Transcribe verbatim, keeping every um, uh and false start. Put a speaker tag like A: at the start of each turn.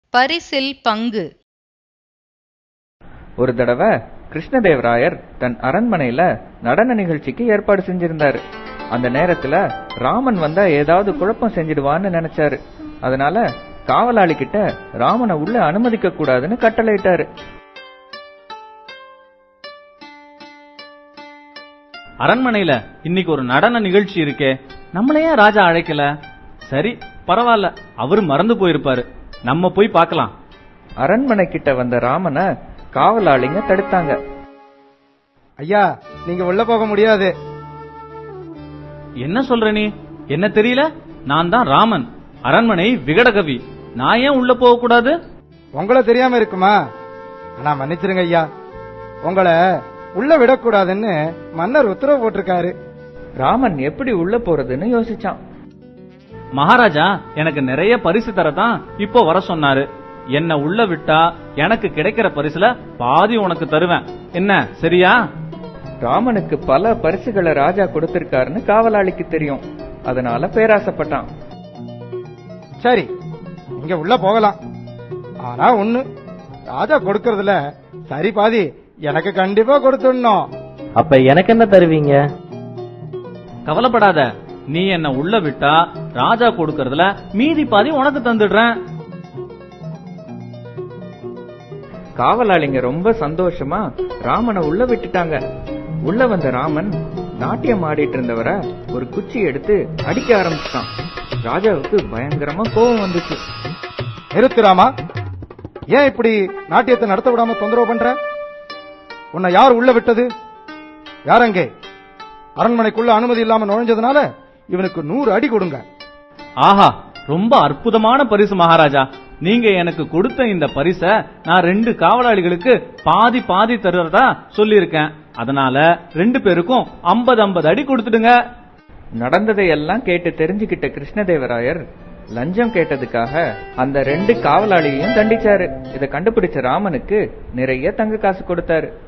A: பரிசில் பங்கு.
B: ஒரு தடவை கிருஷ்ணதேவராயர் தன் அரண்மனையில நடன நிகழ்ச்சிக்கு ஏற்பாடு செஞ்சிருந்தாரு. அந்த நேரத்துல ராமன் வந்தா ஏதாவது குழப்பம் செஞ்சிடுவான்னு நினைச்சாரு. அதனால காவலாளி கிட்ட ராமனை உள்ள அனுமதிக்க கூடாதுன்னு கட்டளையிட்டாரு.
C: அரண்மனையில இன்னைக்கு ஒரு நடன நிகழ்ச்சி இருக்கே, நம்மளையே ராஜா அழைக்கல. சரி பரவாயில்ல, அவரு மறந்து போயிருப்பாரு, நம்ம போய் பார்க்கலாம்.
B: அரண்மனை கிட்ட வந்த ராமனை காவலாளிங்க தடுத்தாங்க.
D: ஐயா, நீங்க உள்ள போக முடியாது.
C: என்ன சொல்ற நீ? என்ன தெரியல? நான் தான் ராமன், அரண்மனை விகடகவி. நான் ஏன் உள்ள போக கூடாது?
D: உங்களை தெரியாம இருக்குமா? ஆனா மன்னிச்சிருங்க ஐயா, உங்களை உள்ள விடக்கூடாதுன்னு மன்னர் உத்தரவு போட்டிருக்காரு.
B: ராமன் எப்படி உள்ள போறதுன்னு யோசிச்சான்.
C: மகாராஜா எனக்கு நிறைய பரிசு தரதான் இப்போ வர சொன்னாரு. என்ன உள்ள விட்டா எனக்கு கிடைக்கிற பரிசுல பாதி உனக்கு தருவேன். என்ன சரியா?
B: ராமனுக்கு பல பரிசுகளை ராஜா கொடுத்திருக்காருன்னு காவலாளிக்கு தெரியும். அதனால பேராசப்பட்டான்.
D: சரி, இங்க உள்ள போகலாம். ஆனா ஒண்ணு, ராஜா கொடுக்கறதுல சரி பாதி எனக்கு கண்டிப்பா கொடுத்துடணும்.
E: அப்ப எனக்கு என்ன தருவீங்க?
C: கவலைப்படாத, நீ என்ன உள்ள விட்டா ராஜா கொடுக்கறதுல மீதி பாதி உனக்கு தந்துடுறேன்.
B: காவலாளிங்க ரொம்ப சந்தோஷமா ராமனை உள்ள விட்டுட்டாங்க. உள்ள வந்த ராமன் நாட்டியம் ஆடிட்டு இருந்தவரை ஒரு குச்சி எடுத்து அடிக்க ஆரம்பிச்சிட்டான். ராஜாவுக்கு பயங்கரமா கோபம் வந்துச்சு.
D: நிறுத்து ராமா, ஏன் இப்படி நாட்டியத்தை நடத்த விடாம தொந்தரவு பண்ற? உன்னை யார் உள்ள விட்டது? யாரங்கே? அரண்மனைக்குள்ள அனுமதி இல்லாம நுழைஞ்சதுனால இவனுக்கு நூறு அடி கொடுங்க.
C: ஆஹா, ரொம்ப அற்புதமான பரிசு மகாராஜா. நீங்க எனக்கு கொடுத்த இந்த பரிச நான் ரெண்டு காவலாளிகளுக்கு பாதி பாதி தருறதா சொல்லியிருக்கேன். அதனால ரெண்டு பேருக்கும் ஐம்பது ஐம்பது அடி கொடுத்துடுங்க.
B: நடந்ததையெல்லாம் கேட்டு தெரிஞ்சுக்கிட்ட கிருஷ்ணதேவராயர் லஞ்சம் கேட்டதுக்காக அந்த ரெண்டு காவலாளியையும் தண்டிச்சாரு. இதை கண்டுபிடிச்ச ராமனுக்கு நிறைய தங்க காசு கொடுத்தாரு.